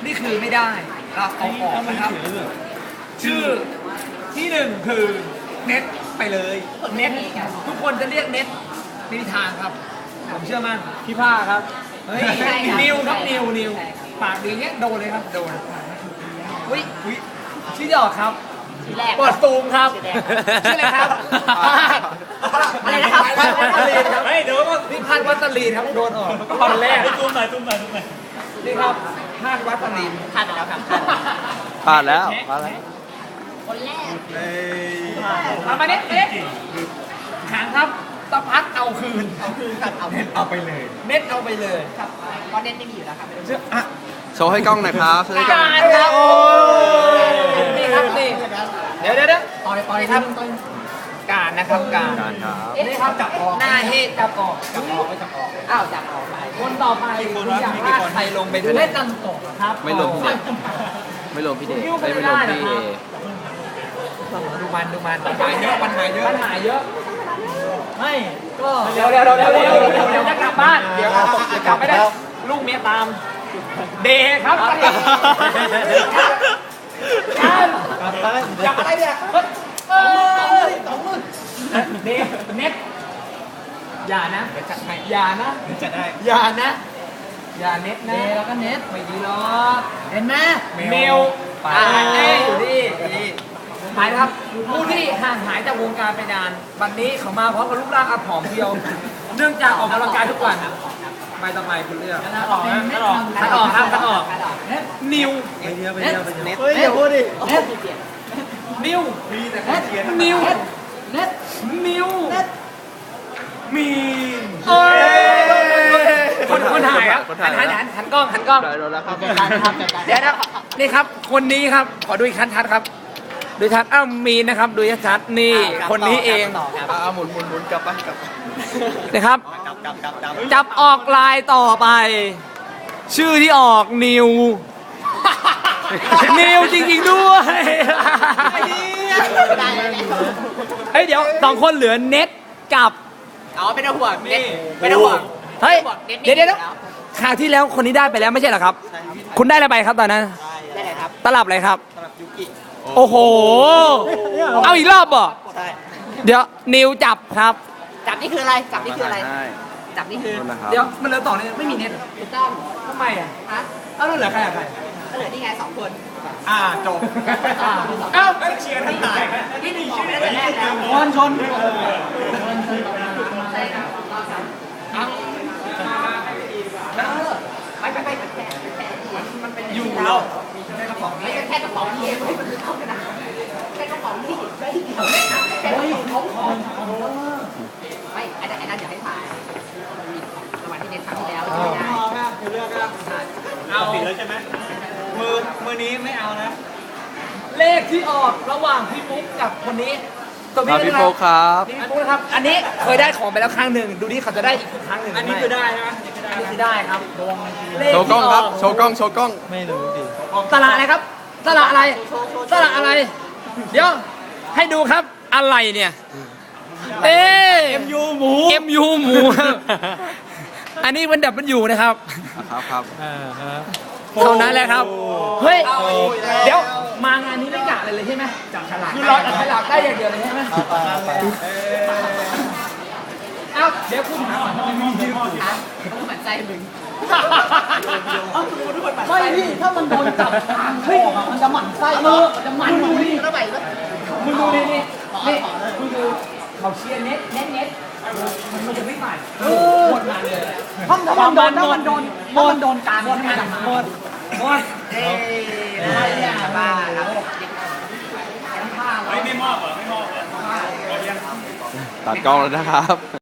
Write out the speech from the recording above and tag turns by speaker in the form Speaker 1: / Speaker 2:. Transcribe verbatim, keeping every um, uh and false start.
Speaker 1: นี่คือไม่ได้เราเอาออกนะครับชื่อที่หนึ่งคือเน็ตไปเลยเน็ตทุกคนจะเรียกเน็ตไม่มีทางครับผมเชื่อมั่นพี่ผ้าครับเฮ้ยนิวครับนิวนิวปากดีเงี้ยโดนเลยครับโดนอุ้ยอุ้ยชื่อดอกครับเปิดซูมครับชื่ออะไรครับอะไรนะครับเฮ้ยเดี๋ยวก็พี่พันวัตลีนครับโดนออกตอนแรกซูมหน่อยซูมหน่อยซูมหน่อยนี่ครับพันวัตลีนพลาดไปแล้วครับ
Speaker 2: พลาดแล้วพลาดแล้ว
Speaker 3: คนแรก
Speaker 1: มามาเน็ตเน็ตหางครับตะพัดเอาคืน
Speaker 3: เอาคืนครับเอา
Speaker 1: เน็ตเอาไปเลยเน็ตเอาไปเลย
Speaker 3: ครับเพราะเน็ตไม่มีอยู่แล้วครับ
Speaker 1: เชื่ออ่ะ
Speaker 2: โชว์ให้กล้องหน่อยครับโชว์ให้กล้อง
Speaker 1: การครับนี่ครับนี่เดี๋ยวเดี๋ยวเดี๋ยวต่อเลยต่อเลยครับการนะครับการ
Speaker 2: การครับ
Speaker 1: นี่ครับจับออกหน้าเฮดจับออกจับออกไม่จับออกอ้าวจับออกไปคนต่อไปคุณอยากลากใครลงไปด้วยเล่นตันตกครับ
Speaker 2: ไม่ลงพี่เดชไม่ลงพี่เดชไม่ลงพี่เอ
Speaker 1: ดูมันดูมันปัญหาเยอะปัญหาเยอะปัญหาเยอะไม่ก็เดี๋ยวเดี๋ยวเดี๋ยวเดี๋ยวเดี๋ยวเดี๋ยวจะกลับบ้านเดี๋ยวจะกลับไม่ได้ลูกเมียตามเดครับอยากอะไรเนี่ยเออสองมือเดเน็ตอย่านะอย่านะจะได้อย่านะอย่าเน็ตนะแล้วก็เน็ตไม่ดีหรอกเห็นไหมเมลไปอยู่ดีหมายครับผู้ที่ห่างหายจากวงการไปนานวันนี้เขามาพร้อมกับรูปร่างอับผอมเพียวเนื่องจากออกกำลังกายทุกวันไปต่อไปคุณเลือกคัดออกคัดออกคัดออกครับคัดออกนิวไปเดียวไปเดียวไปเดียวเฮ้ยอย่าพูดดินิวนิวเน็ตนิวมีนคนคนถ่ายครับหันหันหันหันกล้องหันกล้องเดี๋ยวนะนี่ครับคนนี้ครับขอดูอีกชัดๆครับดูชัดอ้าวมีนนะครับดูชัดๆนี่คนนี้เอง
Speaker 2: เอาหมุนหมุนหมุนกลับไปกลับ
Speaker 1: นะครับจับออกลายต่อไปชื่อที่ออกนิวนิวจริงๆด้วยเฮ้ยเดี๋ยวสองคนเหลือเน็ตกับ
Speaker 3: อ๋อเป็นห่วงเน็ตเป็นห่วง
Speaker 1: เฮ้ยเดี๋ยวเดี๋ยวคราวที่แล้วคนนี้ได้ไปแล้วไม่ใช่เหรอครับคุณได้อะไรไปครับตอนนั้น
Speaker 3: ได้อะไรครับ
Speaker 1: ตลับอะไรครับ
Speaker 3: ตลับยูกิ
Speaker 1: โอ้โหเอาอีกรอบบ่ใช่เดี๋ยวนิวจับครับ
Speaker 3: จับนี่คืออะไรจับนี่คืออะไรจับนี่คือ
Speaker 1: เดี๋ยวมันเหลือต่อเนี่ยไม่มีเน็ต
Speaker 3: ถูกต้อง
Speaker 1: ทำไมอ่ะฮะเอ้าแล้วเหลือใครอ่ะใคร
Speaker 3: ก็เหลือนี่ไงสองคน
Speaker 1: อ่าจบเอ้าเชียร์ทั้งหลาย
Speaker 3: ที่หนึ่งชื่อได้แต่แรกแล้ว
Speaker 1: ชนชน
Speaker 3: ไปไปไปแค่แค่
Speaker 1: อยู่แล้ว
Speaker 3: แค่กระป๋องไม่แค่กระป๋องนี่มันเข้ากันนะแค่กระป๋องนี่ไม่เกี่ยวเลยนะแค่กระป๋องของไม่ไอ้นั่นไอ้นั่นอย่าให้ถ่ายรางวัลที่เน็ตครั้งที่แล้วใช่ไหม
Speaker 1: คือเลือกก็เอาผิดแล้วใช่ไหมมือมือนี้ไม่เอานะเลขที่ออกระหว่างพี่ปุ๊กกับคนนี้
Speaker 2: ตัวพี่ปุ๊กครับ
Speaker 1: พี่ปุ๊กนะครับอันนี้เคยได้ของไปแล้วครั้งหนึ่งดูดิเขาจะได้อีกครั้งหนึ่งอันนี้คือได้ใช่ไหมอันนี้คือได้ครับ
Speaker 2: โชว์กล้องครับโชว์กล้องโชว์กล้อง
Speaker 1: ไม่รู้ดิสระอะไรครับสระอะไรสระอะไรเดี๋ยวให้ดูครับอะไรเนี่ยเอ๊เอ็มยูหมูเอ็มยูหมูอันนี้มันดับมันอยู่นะครับ
Speaker 2: ครับครับ
Speaker 1: เท่านั้นแหละครับเฮ้ยเดี๋ยวมางานนี้ไม่กะอะไรเลยใช่ไหมจับฉลากคือเราจับฉลากได้อย่างเดียวเลยใช่ไหมเอ้าเดี๋ยวคุณหาก่อนทำไมมียืมอยู่
Speaker 3: ต้องหมั่นใจมึง
Speaker 1: ไม่พี่ถ้ามันโดนจับเฮ้ยมันจะหมั่นไส้เนอะจะหมั่นดูนี่
Speaker 3: แล้วไปแล้ว
Speaker 1: มึงดูนี่นี่นี่มึงดูเขาเชียร์เน็ตเน็ตเน็ตมันมันจะไม่ผ่านหมดงานเลยถ้ามันโดนถ้ามันโดนถ้ามันโดนการหมดงานหมดหมดเฮ้ยอะไรเนี่ยบ้าครับ
Speaker 2: ตัดกล้องแล้วนะครับ